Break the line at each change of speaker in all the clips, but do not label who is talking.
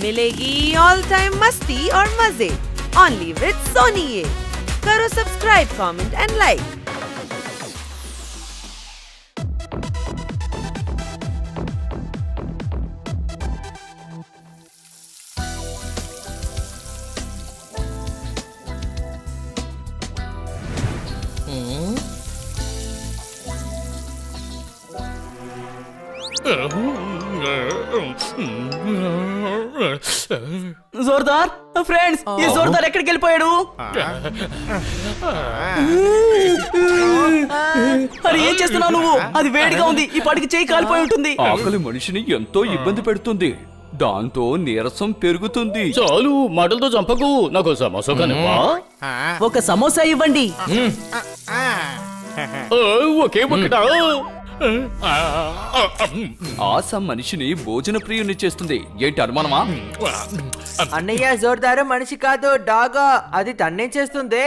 मिलेगी all time मस्ती और मजे ओनली विद सोनी ये। करो subscribe, comment and like.
Jordar friends, ఈ జోర్దార్ ఎక్కడికి వెళ్ళిపోయాడు? అరే ఏం చేస్తున్నావు నువ్వు? అది వేడిగా ఉంది, ఈ పాటికి చేయి కాలిపోయి ఉంటుంది.
ఆకలి మనిషిని ఎంతో ఇబ్బంది పెడుతుంది, దాంతో నీరసం పెరుగుతుంది.
చాలు మాటలతో చంపకు, నాకు సమోసా కానివ్వా?
ఒక సమోసా ఇవ్వండి.
ఒకే ఒకటా?
ఆశ మనిషిని భోజన ప్రియుని చేస్తుంది. ఏంటి అనుమానమా?
అన్నయ్య, జోర్దారు మనిషి కాదు, డాగా. అది తన్నే చేస్తుంది.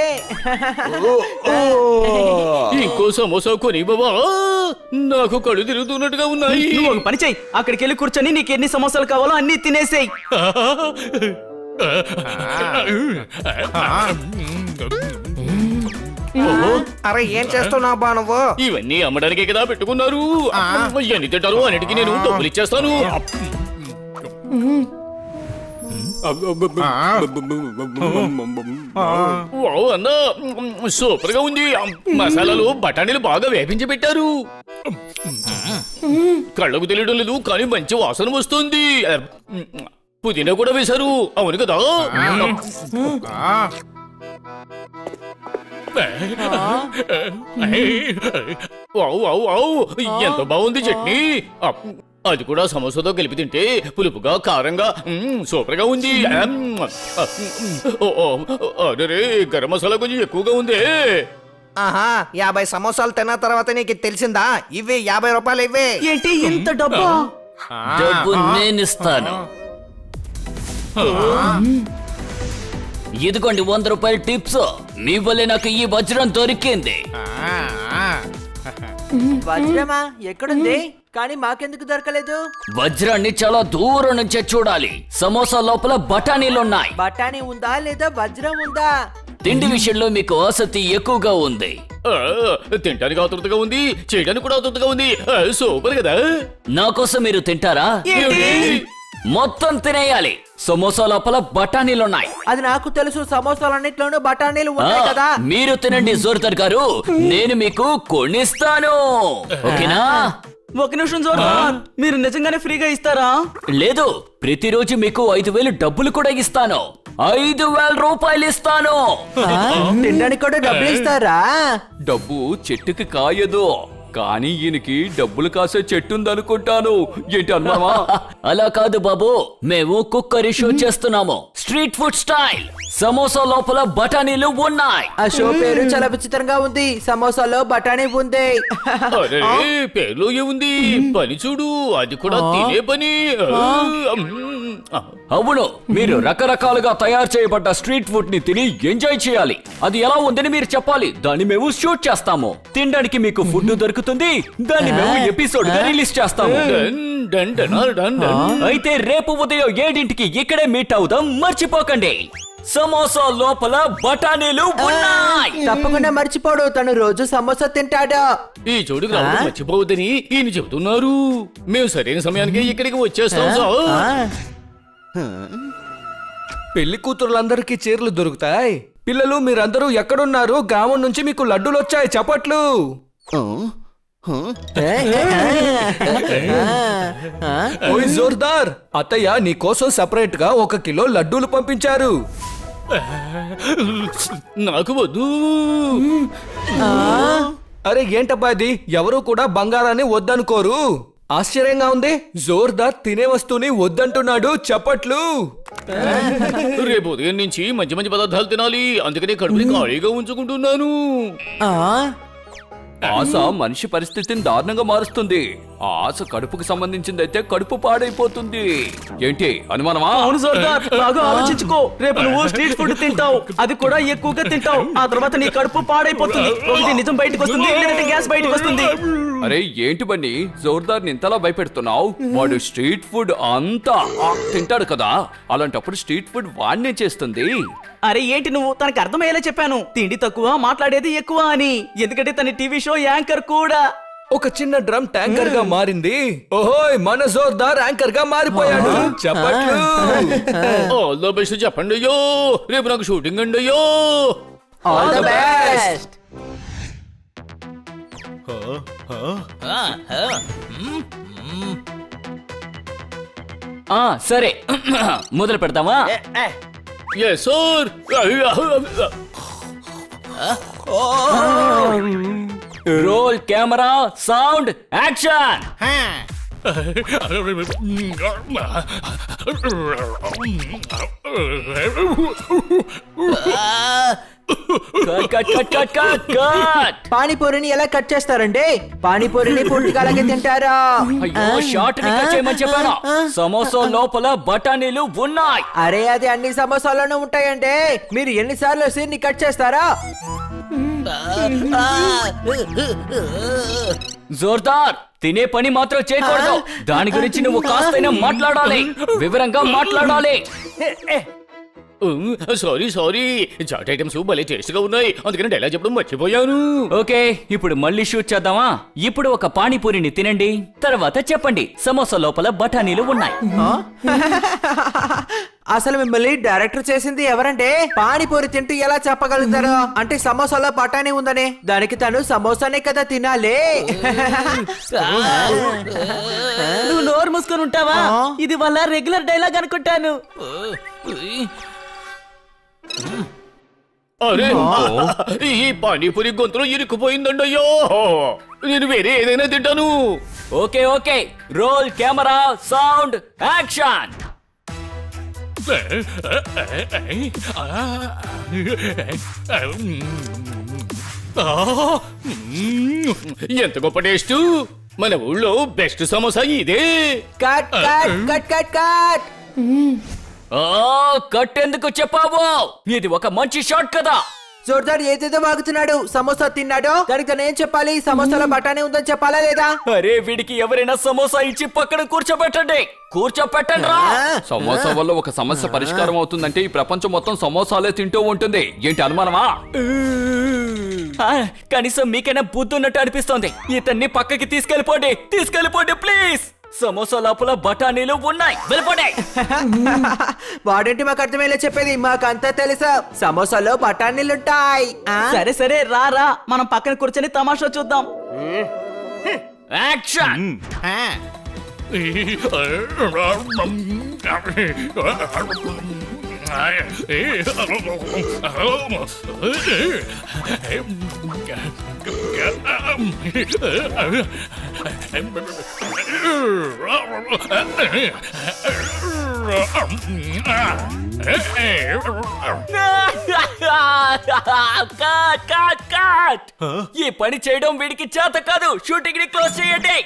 ఇంకో సమోసా కొని బాబా, నాకు కళ్ళు తిరుగుతున్నట్టుగా ఉన్నాయి.
నువ్వు ఒక పని చెయ్యి, అక్కడికి వెళ్ళి కూర్చొని నీకు ఎన్ని సమోసాలు కావాలో అన్ని తినేసేయ్.
అరే ఏం చేస్తున్నావు బా నువ్వు?
ఇవన్నీ అమ్మడానికే కదా పెట్టుకున్నారు. ఎన్ని తింటారు అన్నిటికీ నేను డబ్బులు ఇచ్చేస్తాను. వావ్ అన్నా, సూపర్ గా ఉంది. మసాలాలు బఠానీలు బాగా వేపించి పెట్టారు. కళ్ళకు తెలియడం లేదు కానీ మంచి వాసన వస్తుంది. పుదీనా కూడా వేశారు, అవును కదా? ఎంత బాగుంది చట్నీ. అది కూడా సమోసాతో కలిపి తింటే పులుపుగా కారంగా సూపర్ గా ఉంది. అరే గరం మసాలా కొంచెం ఎక్కువగా ఉంది.
ఆహా, 50 సమోసాలు తిన్న తర్వాత నీకు తెలిసిందా? ఇవి 50 రూపాయలు. ఇవే
ఏంటి ఇంత డబ్బా?
డబ్బు నేనిస్తాను.
ఇదిగోండి 100 రూపాయల టిప్స్. మీ వల్లే నాకు ఈ వజ్రం దొరికింది.
వజ్రమా? ఎక్కడుంది? కానీ మాకెందుకు దొరకలేదు?
వజ్రాన్ని చాలా దూరం నుంచే చూడాలి. సమోసా లోపల బఠానీలున్నాయి.
బఠానీ ఉందా లేదా వజ్రం ఉందా?
తిండి విషయంలో మీకు ఆసక్తి ఎక్కువగా ఉంది.
తింటానికి ఆతృతగా ఉంది, చేయడానికి కూడా ఆతృతగా ఉంది. సూపర్ కదా.
నా కోసం మీరు తింటారా? మొత్తం తినేయాలి. సమోసా లోపల బఠానీలున్నాయి.
అది నాకు తెలుసు, సమోసాలన్నిట్లోనూ బఠానీలు ఉన్నాయి కదా.
మీరు తినండి జోర్దార్ గారు, నేను మీకు కొనిస్తాను. ఓకేనా?
ఒక నిమిషం జోర్దార్, మీరు నిజంగానే ఫ్రీగా ఇస్తారా?
లేదు, ప్రతిరోజు మీకు 5,000 డబ్బులు కూడా ఇస్తాను. 5,000 రూపాయలు ఇస్తాను.
తినడానికి కూడా డబ్బులు ఇస్తారా?
డబ్బు చెట్టుకి కాయదు, కానీ ఈయనకి డబ్బులు కాసే చెట్టుందనుకుంటాను. ఏంటి అనుమానమా?
అలా కాదు బాబు, మేము కుక్కరీ షో చేస్తున్నాము. Street food style. సమోసా లోపల బఠానీలు ఉన్నాయి.
ఆ షో పేరు చాలా విచిత్రంగా ఉంది. సమోసాలో బఠానీ ఉంది.
అరే పేర్లో ఏముంది? పని చూడు, అది కూడా తినే పని.
అవును, మీరు రకరకాలుగా తయారు చేయబడ్డ స్ట్రీట్ ఫుడ్ ని తిని ఎంజాయ్ చేయాలి. అది ఎలా ఉందని మీరు చెప్పాలి, దాన్ని మేము షూట్ చేస్తాము. తినడానికి మీకు ఫుడ్ దొరుకుతుంది, దాన్ని మేము ఎపిసోడ్ గా రిలీజ్ చేస్తాము. అయితే రేపు ఉదయం 7ంటికి ఇక్కడే మీట్ అవుదాం, మర్చిపోకండి. సమోసా లోపల బఠానీలు ఉన్నాయి.
తప్పకుండా మర్చిపోడు, తను రోజు సమోసా తింటాడు.
ఈ చోటుకు రావడం మర్చిపోవద్దని ఈయన చెబుతున్నారు. మేము సరైన సమయానికి ఇక్కడికి వచ్చేస్తాం సార్.
పెళ్లి కూతురులందరికీ చీరలు దొరుకుతాయి. పిల్లలు మీరందరూ ఎక్కడున్నారు? గ్రామం నుంచి మీకు లడ్డూలు వచ్చాయి, చప్పట్లు. ఓయ్ జోర్దార్, అత్తయ్య నీ కోసం సెపరేట్ గా 1 కిలో లడ్డూలు పంపించారు.
నాకు వద్దు.
అరే ఏంటబ్బా ఇది? ఎవరు కూడా బంగారాన్ని వద్దనుకోరు. ఆశ్చర్యంగా ఉంది, జోర్దార్ తినే వస్తువుని వద్దంటున్నాడు, చప్పట్లు.
రేపు ఉదయం నుంచి మంచి మంచి పదార్థాలు తినాలి, అందుకనే కడుపుని ఖాళీగా ఉంచుకుంటున్నాను.
ఆశ మనిషి పరిస్థితిని దారుణంగా మారుస్తుంది. ఆశ కడుపుకు సంబంధించిందైతే కడుపు పాడైపోతుంది. ఏంటి అనుమానమా?
అవును జోర్దార్, బాగా ఆలోచించుకో. రేపు నువ్వు స్ట్రీట్ ఫుడ్ తింటావు, అది కూడా ఎక్కువగా తింటావు. ఆ తర్వాత నీ కడుపు పాడైపోతుంది. ఒకటి నిజం బయటకు వస్తుంది, లేదంటే గ్యాస్ బయటకు వస్తుంది.
అరే ఏంటి బన్నీ జోర్దార్ని ఇంతలా భయపెడుతున్నావు? వాడు స్ట్రీట్ ఫుడ్ అంతా తింటాడు కదా, అలాంటప్పుడు స్ట్రీట్ ఫుడ్ వాడినే చేస్తుంది.
అరే ఏంటి నువ్వు తనకు అర్థమయ్యేలా చెప్పాను, తిండి తక్కువ మాట్లాడేది ఎక్కువ అని. ఎందుకంటే తన టీవీ షో యాంకర్ కూడా.
ఒక చిన్న డ్రమ్ ట్యాంకర్ గా మారింది. ఓహోయ్ మన జోర్దార్ యాంకర్ గా మారిపోయాడు. చెప్పట్లు.
ఆల్ ద బెస్ట్ చెప్పండి అయ్యో. రేపు నాకు షూటింగ్ అండి అయ్యో.
All the best.
సరే మొదలు పెడతామా?
Yes sir.
Roll camera sound action. Cut cut cut cut cut cut.
పానీపూరిని ఎలా కట్ చేస్తారండి? పానీపూరిని పూర్తిగా అలాగే తింటారా?
అయ్యో షార్ట్ ని కట్ చేయమని చెప్పాను. సమోసా లోపల బఠానీలు ఉన్నాయి.
అరే అది అన్ని సమోసాల్లోనూ ఉంటాయండి. మీరు ఎన్నిసార్లు సీన్ ని కట్ చేస్తారా?
జోర్దార్ తినే పని మాత్రం చేయకూడదు. దాని గురించి నువ్వు కాస్తైనా మాట్లాడాలి, వివరంగా మాట్లాడాలి.
సారీ సారీ, చాట్ ఐటమ్స్ భలే టేస్ట్ గా ఉన్నాయి, అందుకని డైలాగ్ చెప్పడం మర్చిపోయాను.
ఓకే ఇప్పుడు మళ్ళీ షూట్ చేద్దామా? ఇప్పుడు ఒక పానీపూరిని తినండి, తర్వాత చెప్పండి సమోసా లోపల బఠానీలు ఉన్నాయి.
అసలు మిమ్మల్ని డైరెక్టర్ చేసింది ఎవరంటే? పానీపూరి తింటూ ఎలా చెప్పగలుగుతారు? అంటే సమోసాలో బఠానీ ఉందని. దానికి తను సమోసానే కదా తినాలి.
నువ్వు నోరు మూసుకొని ఉంటావా? ఇది వాళ్ళ రెగ్యులర్ డైలాగ్ అనుకుంటాను.
అరే ఈ పానీపూరి గొంతులో ఇరుక్కుపోయిందండి అయ్యో. నేను వేరే ఏదైనా తింటాను.
Okay okay roll camera sound action.
ఎంత గొప్ప టేస్ట్. మన ఊళ్ళో బెస్ట్ సమోసా ఇదే.
Cut cut cut cut cut.
కట్టెందుకు చెప్పావు? ఇది ఒక మంచి షాట్ కదా.
జోర్దార్ ఏదేదో వాగుతున్నాడు. సమోసా తిన్నాడు, దానికి తను ఏం చెప్పాలి? సమోసాలో బఠానీ ఉందని చెప్పాలా లేదా?
అరే వీడికి ఎవరైనా సమోసా ఇచ్చి పక్కన కూర్చోబెట్టండి. కూర్చోబెట్టండి రా.
సమోసా వల్ల ఒక సమస్య పరిష్కారం అవుతుందంటే ఈ ప్రపంచం మొత్తం సమోసాలే తింటూ ఉంటుంది. ఏంటి అనుమానమా?
కనీసం మీకైనా బుద్ధి ఉన్నట్టు అనిపిస్తోంది. ఇతన్ని పక్కకి తీసుకెళ్ళిపోండి, తీసుకెళ్ళిపోండి ప్లీజ్. సమోసా లోపల బఠానీలు ఉన్నాయి, వెళ్ళిపోండి.
వాడేంటి మాకు అర్థమయ్యేలా చెప్పేది? మాకంతా తెలుసా, సమోసాలో బఠానీలుంటాయి.
సరే సరే రా రా, మనం పక్కన కూర్చొని తమాషా చూద్దాం.
యాక్షన్. ఈ పని చేయడం వీడికి చేత కాదు. షూటింగ్ ని క్లోజ్ చేయండి.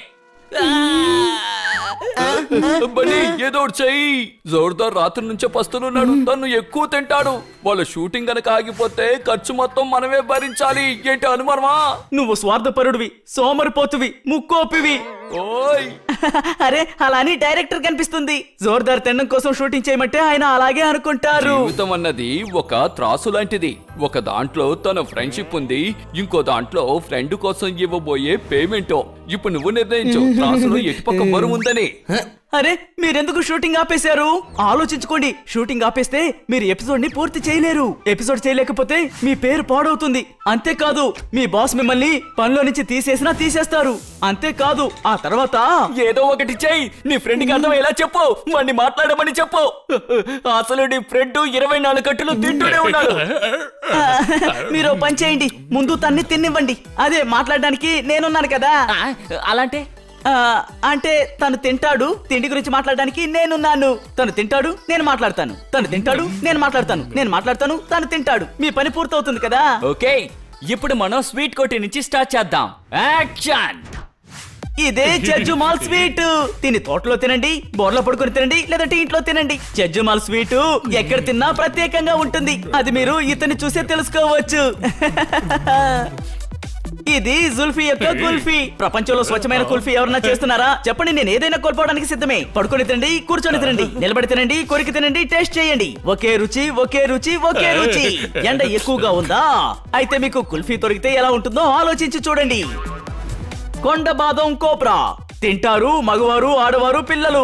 బన్నీ ఏదో ఒకటి చెయ్యి. జోర్దార్ రాత్రి నుంచే పస్తులున్నాడు, తను ఎక్కువ తింటాడు. వాళ్ళ షూటింగ్ గనక ఆగిపోతే ఖర్చు మొత్తం మనమే భరించాలి. ఏంటి అనుమానమా?
నువ్వు స్వార్థపరుడివి, సోమరిపోతువి, ముక్కోపివి.
ఓయ్
అరే అలా అని డైరెక్టర్ కనిపిస్తుంది. జోర్దార్ తినడం కోసం షూటింగ్ చేయమంటే ఆయన అలాగే అనుకుంటారు.
జీవితం అన్నది ఒక త్రాసు లాంటిది. ఒక దాంట్లో తన ఫ్రెండ్షిప్ ఉంది, ఇంకో దాంట్లో ఫ్రెండ్ కోసం ఇవ్వబోయే పేమెంట్. ఇప్పుడు నువ్వు నిర్ణయించు, త్రాసులో ఎటుపక్క బరువు ఉందని.
అరే మీరెందుకు షూటింగ్ ఆపేశారు? ఆలోచించుకోండి. షూటింగ్ ఆపేస్తే మీరు ఎపిసోడ్ ని పూర్తి చేయలేరు. ఎపిసోడ్ చేయలేకపోతే మీ పేరు పాడవుతుంది. అంతేకాదు మీ బాస్ మిమ్మల్ని పనిలో నుంచి తీసేసినా తీసేస్తారు. అంతేకాదు ఆ తర్వాత
ఏదో ఒకటి చెయ్యి. నీ ఫ్రెండ్ కి అర్థమయ్యేలా చెప్పు, వాడిని మాట్లాడమని చెప్పు. అసలు నీ ఫ్రెండ్ 24 గంటలు తింటూనే ఉన్నాడు.
మీరు పని చేయండి, ముందు తన్ని తిన్నివ్వండి. అదే మాట్లాడడానికి నేనున్నాను కదా.
అలాంటే
అంటే తను తింటాడు, తిండి గురించి మాట్లాడడానికి నేనున్నాను. తను తింటాడు, నేను మాట్లాడతాను. తను తింటాడు, నేను మాట్లాడతాను. నేను మాట్లాడతాను, తను తింటాడు. మీ పని పూర్తవుతుంది కదా.
ఓకే ఇప్పుడు మనం స్వీట్ కోటి నుంచి స్టార్ట్ చేద్దాం. యాక్షన్.
ఇదే జడ్జుమాల్ స్వీట్. తిని తోటలో తినండి, బోర్లో పడుకొని తినండి, లేదంటే ఇంట్లో తినండి. జడ్జుమాల్ స్వీట్ ఎక్కడ తిన్నా ప్రత్యేకంగా ఉంటుంది. అది మీరు ఇతన్ని చూసే తెలుసుకోవచ్చు. ఇది జుల్ఫీ యొక్క కుల్ఫీ. ప్రపంచంలో స్వచ్ఛమైన కుల్ఫీ ఎవరన్నా చేస్తున్నారా? చెప్పండి, నేను ఏదైనా కోల్పోవడానికి సిద్ధమే. పడుకొని తినండి, కూర్చొని తినండి, నిలబడి తినండి, కొరికి తినండి, టేస్ట్ చేయండి. ఒకే రుచి, ఒకే రుచి, ఒకే రుచి. ఎండ ఎక్కువగా ఉందా? అయితే మీకు కుల్ఫీ దొరికితే ఎలా ఉంటుందో ఆలోచించి చూడండి. కొండ బాదం కోబ్రా తింటారు మగవారు, ఆడవారు, పిల్లలు.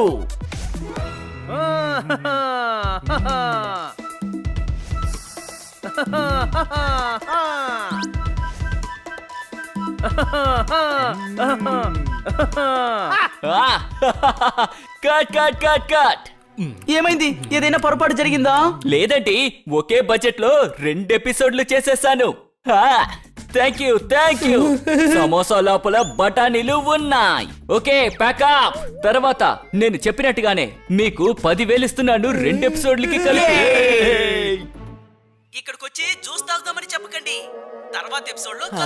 Cut cut cut cut.
ఏమైంది? ఏదైనా పొరపాటు జరిగిందా?
లేదండి, ఒకే బడ్జెట్ లో 2 ఎపిసోడ్లు చేసేసాను. Thank you thank you. Samosa లోపల బఠానీలు ఉన్నాయి. Okay packup. తర్వాత నేను చెప్పినట్టుగానే మీకు 10,000 ఇస్తున్నాను 2 ఎపిసోడ్లకి కలిపి.
ఇక్కడికి వచ్చి జ్యూస్ తాగుదామని చెప్పకండి. తర్వాత ఎపిసోడ్ లో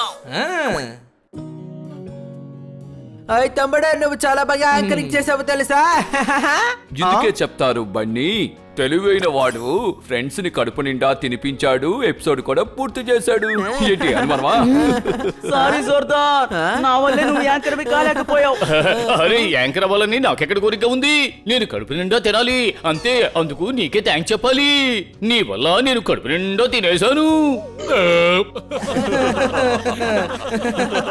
అయ్ తమ్ముడు, నువ్వు చాలా బాగా యాంకరింగ్ చేసావు తెలుసా?
ఇందుకే చెప్తారు బన్నీ తెలివైన వాడు ఫ్రెండ్స్ ని కడుపు నిండా తినిపించాడు, ఎపిసోడ్ కూడా పూర్తి చేశాడు. ఏంటి అనుమానమా?
సారీ జోర్దార్, నా వల్లే నువ్వు యాంకర్ కాలేకపోయావు.
అరే యాంకర్ అవ్వాలని నాకెక్కడ కోరిక ఉంది? నేను కడుపు నిండా తినాలి అంతే. అందుకు నీకే థ్యాంక్స్ చెప్పాలి. నీ వల్ల నేను కడుపు నిండా తినేశాను.